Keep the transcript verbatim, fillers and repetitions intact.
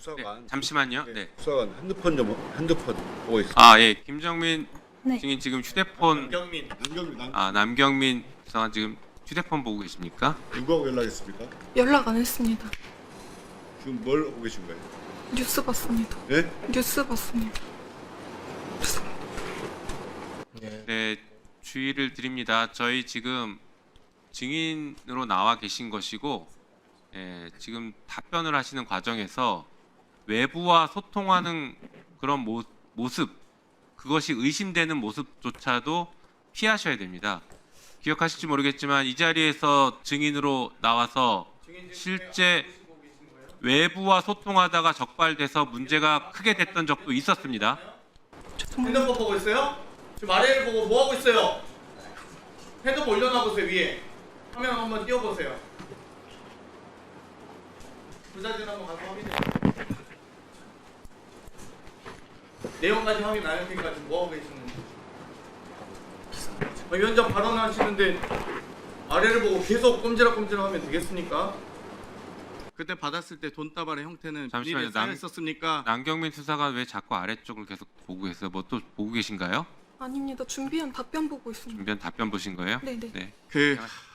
수사관. 잠시만요. 네, 네. 수사관 핸드폰 좀 핸드폰 보고 있습니다. 아, 예. 김정민 네. 증인 지금 휴대폰 남경민. 남경민. 남... 아, 남경민 수사관 지금 휴대폰 보고 계십니까? 누구하고 연락했습니까? 연락 안 했습니다. 지금 뭘 하고 계신 거예요? 뉴스 봤습니다. 예? 뉴스 봤습니다. 네, 주의를 드립니다. 저희 지금 증인으로 나와 계신 것이고, 예, 지금 답변을 하시는 과정에서 외부와 소통하는 그런 모, 모습, 그것이 의심되는 모습조차도 피하셔야 됩니다. 기억하실지 모르겠지만 이 자리에서 증인으로 나와서 실제 외부와 소통하다가 적발돼서 문제가 크게 됐던 적도 있었습니다. 핸드폰 보고 있어요? 지금 아래를 보고 뭐 하고 있어요? 핸드폰 올려놔 보세요. 위에 화면 한번 띄워보세요. 그 사진 한번 가서 확인해. 내용까지 확인 안 할 테니까 지금 뭐 하고 계시는지. 아, 위원장 발언하시는데 아래를 보고 계속 꼼지락꼼지락하면 되겠습니까? 그때 받았을 때 돈다발의 형태는 잠시만요. 비닐에 쌓여 있었습니까? 남경민 수사관 왜 자꾸 아래쪽을 계속 보고 계세요? 뭐 또 보고 계신가요? 아닙니다. 준비한 답변 보고 있습니다. 준비한 답변 보신 거예요? 네네. 네. 그